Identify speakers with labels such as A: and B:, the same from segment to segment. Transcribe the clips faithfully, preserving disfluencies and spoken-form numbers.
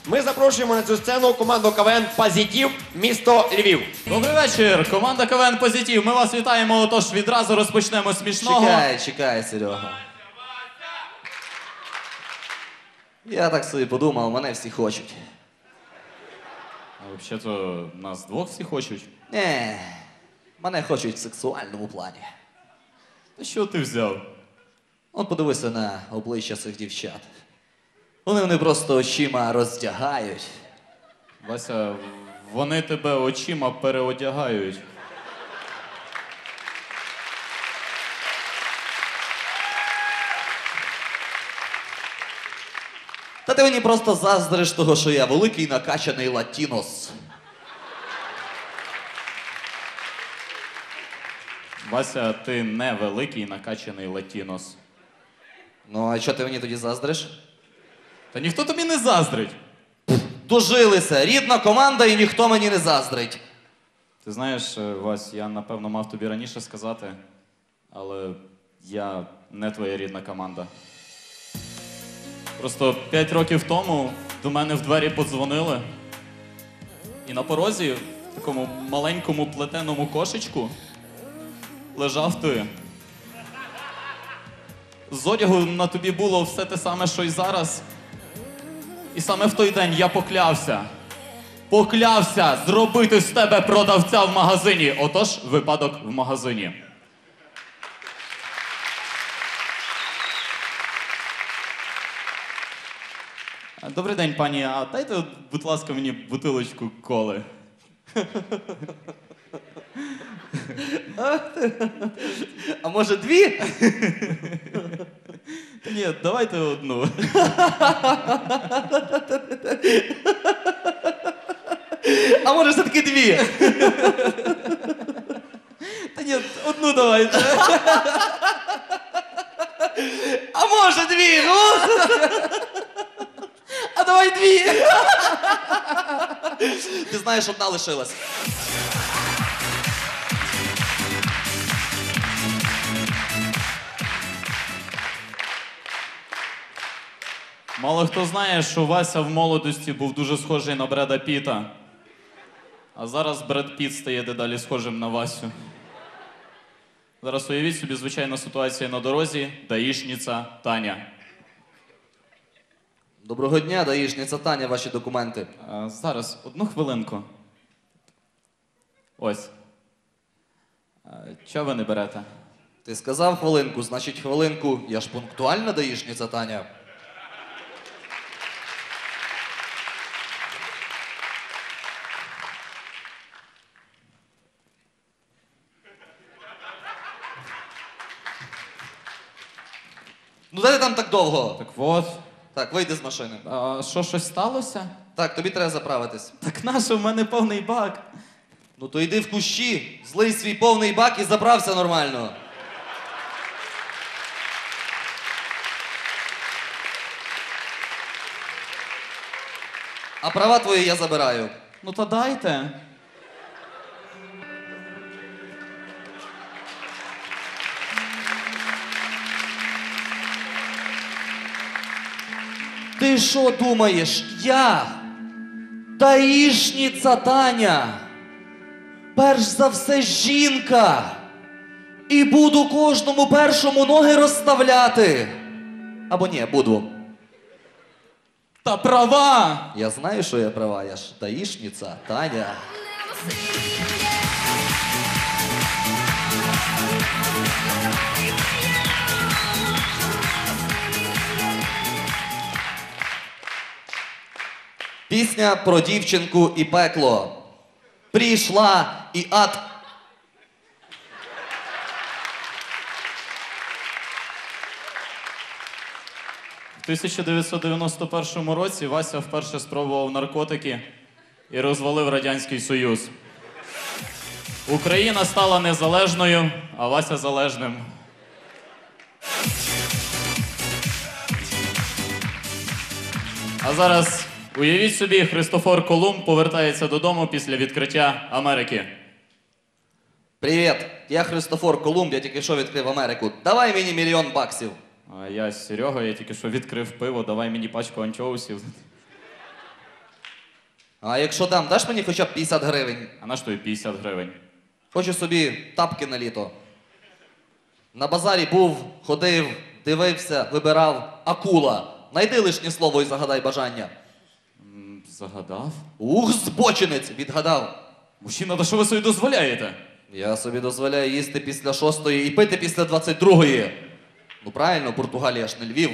A: Ми запрошуємо на цю сцену команду КВН «Позитив», місто Львів.
B: Добрий вечір, команда КВН «Позитив». Ми вас вітаємо, отож відразу розпочнемо з смішного.
C: Чекай, чекай, Серега. Я так собі подумав, мене всі хочуть.
B: А взагалі-то нас двох всі хочуть.
C: Не, мене хочуть в сексуальному плані.
B: Та що ти взяв?
C: От подивися на обличчя цих дівчат. Вони вони просто очима роздягають.
B: Вася, вони тебе очима переодягають.
C: Та ти мені просто заздриш того, що я великий накачаний латінос.
B: Вася, ти не великий накачаний латінос.
C: Ну, а що ти мені тоді заздриш?
B: Та ніхто тобі не заздрить.
C: Дожилися, рідна команда і ніхто мені не заздрить.
B: Ти знаєш, Вась, я напевно мав тобі раніше сказати, але я не твоя рідна команда. Просто п'ять років тому до мене в двері подзвонили, і на порозі, в такому маленькому плетеному кошечку, лежав ти. З одягу на тобі було все те саме, що й зараз. І саме в той день я поклявся, поклявся зробити з тебе продавця в магазині. Отож, випадок в магазині. Добрий день, пані. А дайте, будь ласка, мені бутилочку коли.
C: А може дві?
B: Та ні, давайте одну.
C: А може все-таки дві?
B: Та ні, одну давайте.
C: А може дві, ну?
B: А давай дві.
C: Ти знаєш, одна лишилась.
B: Мало хто знає, що Вася в молодості був дуже схожий на Бреда Піта. А зараз Бред Піт стає дедалі схожим на Васю. Зараз уявіть собі звичайна ситуація на дорозі. Даїшниця Таня.
C: Доброго дня, даїшниця Таня, ваші документи.
B: А, зараз, одну хвилинку. Ось. А, чого ви не берете?
C: Ти сказав хвилинку, значить хвилинку. Я ж пунктуальна даїшниця Таня. Ну де ти там так довго?
B: Так от.
C: Так, вийди з машини.
B: А що, щось сталося?
C: Так, тобі треба заправитись.
B: Так нащо, в мене повний бак.
C: Ну то йди в кущі, злий свій повний бак і заправся нормально. А права твої я забираю.
B: Ну та дайте.
C: Ти що думаєш, я, даїшниця Таня, перш за все жінка, і буду кожному першому ноги розставляти? Або ні, буду.
B: Та права!
C: Я знаю, що я права, я ж даїшниця Таня. Пісня про дівчинку і пекло. Прийшла і ад.
B: В тисяча дев'ятсот дев'яносто першому році Вася вперше спробував наркотики і розвалив Радянський Союз. Україна стала незалежною, а Вася залежним. А зараз уявіть собі, Христофор Колумб повертається додому після відкриття Америки.
C: Привіт, я Христофор Колумб, я тільки що відкрив Америку. Давай мені мільйон баксів.
B: А я Серега, я тільки що відкрив пиво, давай мені пачку анчоусів.
C: А якщо дам, даш мені хоча б п'ятдесят гривень?
B: А на що тобі п'ятдесят гривень?
C: Хочу собі тапки на літо. На базарі був, ходив, дивився, вибирав. Акула. Найди лишнє слово і загадай бажання.
B: М, Загадав?
C: Ух, збочинець! Відгадав.
B: Мужчина, та що ви собі дозволяєте?
C: Я собі дозволяю їсти після шостої і пити після двадцять другої. Ну правильно, Португалія ж не Львів.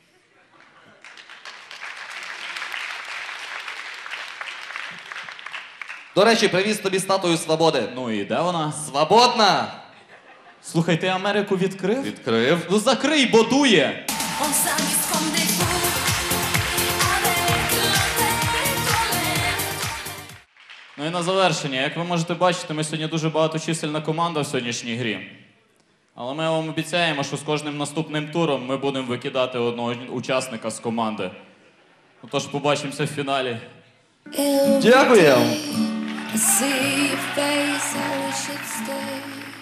C: До речі, привіз тобі статую свободи.
B: Ну і де вона?
C: Свободна!
B: Слухай, ти Америку відкрив?
C: Відкрив.
B: Ну закрий, бо дує!
D: On s'amuse comme des fous avec l'intellect.
B: Ну і на завершення, як ви можете бачити, ми сьогодні дуже багаточисельна команда в сьогоднішній грі. Але ми вам обіцяємо, що з кожним наступним туром ми будемо викидати одного учасника з команди. Ну, тож побачимося в фіналі.
C: Дякую.
D: I see your face, I wish you'd stay.